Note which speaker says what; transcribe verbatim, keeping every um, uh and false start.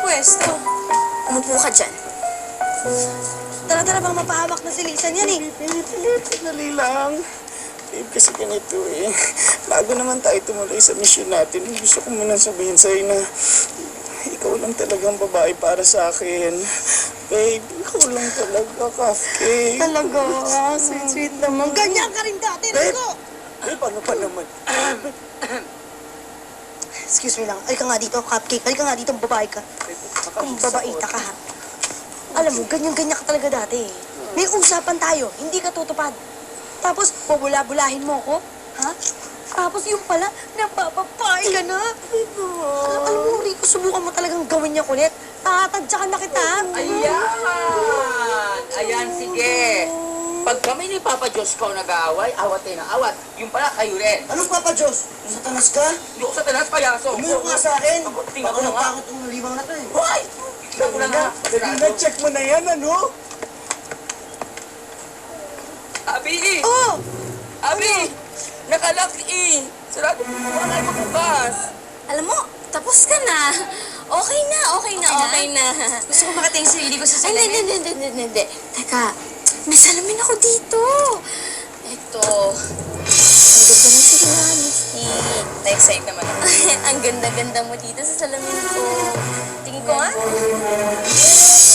Speaker 1: pwesto.
Speaker 2: Umupo ka dyan.
Speaker 3: Tara-tara bang mapahamak na si Lisan yan eh.
Speaker 4: Dali lang. Babe, kasi ganito eh. Bago naman tayo tumuloy sa mission natin, gusto ko muna sabihin sa'yo na ikaw lang talagang babae para sa akin. Babe, ikaw lang talaga, cupcake.
Speaker 3: Talaga, sweet-sweet naman. Ganyan ka rin dati,
Speaker 4: Babe!
Speaker 3: Rico!
Speaker 4: Babe, ano pa naman?
Speaker 3: Excuse me lang. Halika nga dito, cupcake. Halika nga dito, babae ka. Kung babaita ka, ha? Alam mo, ganyan-ganyan ka talaga dati eh. May usapan tayo, hindi ka tutupad. Tapos, bubula-bulahin mo ko, ha? Tapos yung pala, napapapay ka na. Alam, alam mo, Rico, subukan mo talagang gawin niya kulit. Tatadyakan na kita.
Speaker 5: Ayan! Ayan, sige. Pag kami ni Papa Diyos ko nag-aaway, awat tayo ng awat. Yung pala, kayo rin.
Speaker 4: Anong Papa Diyos? Satanas ka?
Speaker 5: Hindi ako sa tanas, payaso.
Speaker 4: Umuyo ka nga sa akin.
Speaker 5: Ako, tingnan ko na nga.
Speaker 4: Pakot ang limang na to eh.
Speaker 5: Hoy! Tingnan ko na nga.
Speaker 4: Na-check mo na yan, ano?
Speaker 5: Abi!
Speaker 3: Oh!
Speaker 5: Abi! Nakalak eh! Sarado mo wala kayo magbukas.
Speaker 2: Alam mo, tapos ka na. Okay na, okay na, okay na.
Speaker 1: Gusto ko makita yung sarili ko sa
Speaker 2: Ay, hindi,
Speaker 1: salamin.
Speaker 2: hindi, hindi, hindi, hindi. Teka, may salamin ako dito. Ito. Ang ganda ng sigla, Misty.
Speaker 1: Na-excite naman ako.
Speaker 2: Ang ganda-ganda mo dito sa salamin ko. Tingin ko nga.